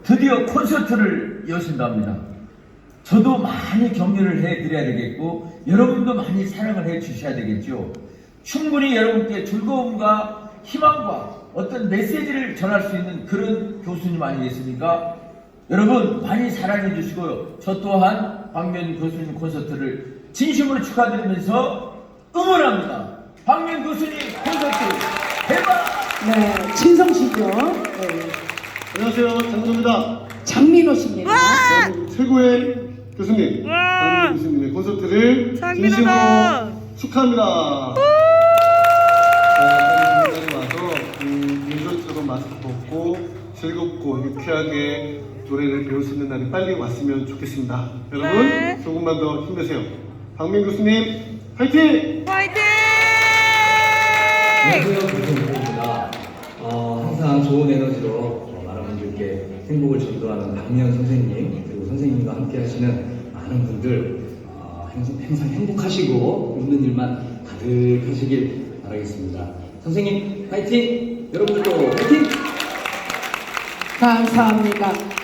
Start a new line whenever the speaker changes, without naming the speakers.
드디어 콘서트를 여신답니다. 저도 많이 격려를 해드려야 되겠고 여러분도 많이 사랑을 해주셔야 되겠죠. 충분히 여러분께 즐거움과 희망과 어떤 메시지를 전할 수 있는 그런 교수님 아니겠습니까? 여러분 많이 사랑해 주시고요. 저 또한 박면 교수님 콘서트를 진심으로 축하드리면서 응원합니다. 박면 교수님 콘서트 대박!
네, 친성 씨죠. 네.
안녕하세요, 장민호입니다.
장민호 씨입니다.
최고의 교수님, 박민호 교수님의 콘서트를 진심으로 축하합니다. 여기까지 와서 예전처럼 마스크 벗고 즐겁고 유쾌하게 노래를 배울 수 있는 날이 빨리 왔으면 좋겠습니다. 여러분 조금만 더 힘내세요. 박민 교수님 파이팅!
안녕하세요, 교수님입니다. 항상 좋은 에너지로 많은 분들께 행복을 전도하는 박미연 선생님, 그리고 선생님과 함께 하시는 많은 분들 항상 행복하시고 웃는 일만 가득하시길 바라겠습니다. 선생님 파이팅! 여러분들도 파이팅!
감사합니다.